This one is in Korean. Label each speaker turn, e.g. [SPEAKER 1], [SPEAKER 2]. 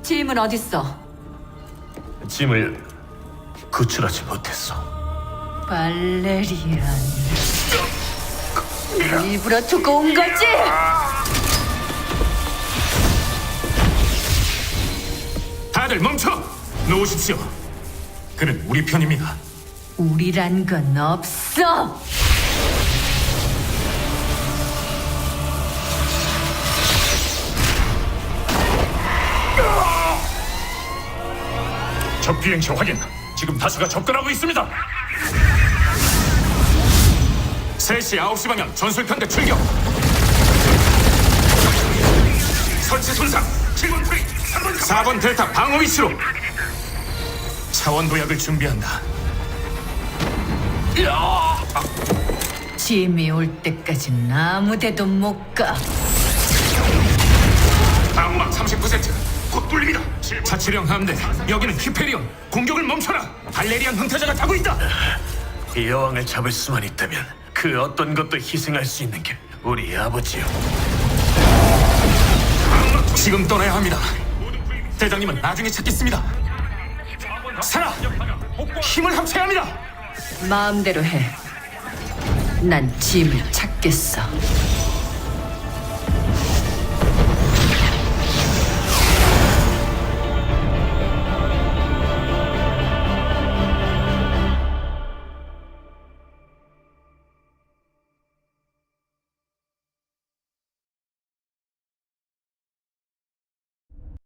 [SPEAKER 1] 짐은 어딨어?
[SPEAKER 2] 짐을 구출하지 못했어.
[SPEAKER 1] 발레리안. 일부러 두고 온 거지?
[SPEAKER 3] 다들 멈춰! 놓으십시오. 그는 우리 편입니다.
[SPEAKER 1] 우리란 건 없어.
[SPEAKER 3] 적 비행체 확인. 지금 다수가 접근하고 있습니다. 3시 9시 방향 전술편대 출격. 설치 손상. 7번 프레이 4번 델타 방어 위치로. 차원 도약을 준비한다.
[SPEAKER 1] 짐이 올 때까진 아무데도 못 가.
[SPEAKER 3] 방어막 39곧 뚫립니다. 자치령 함대. 여기는 히페리온. 공격을 멈춰라. 발레리안 흥타자가 타고 있다.
[SPEAKER 2] 이 여왕을 잡을 수만 있다면 그 어떤 것도 희생할 수 있는 게 우리 아버지요.
[SPEAKER 3] 지금 떠나야 합니다. 대장님은 나중에 찾겠습니다. 살아! 힘을 합쳐야 합니다.
[SPEAKER 1] 마음대로 해. 난 짐을 찾겠어.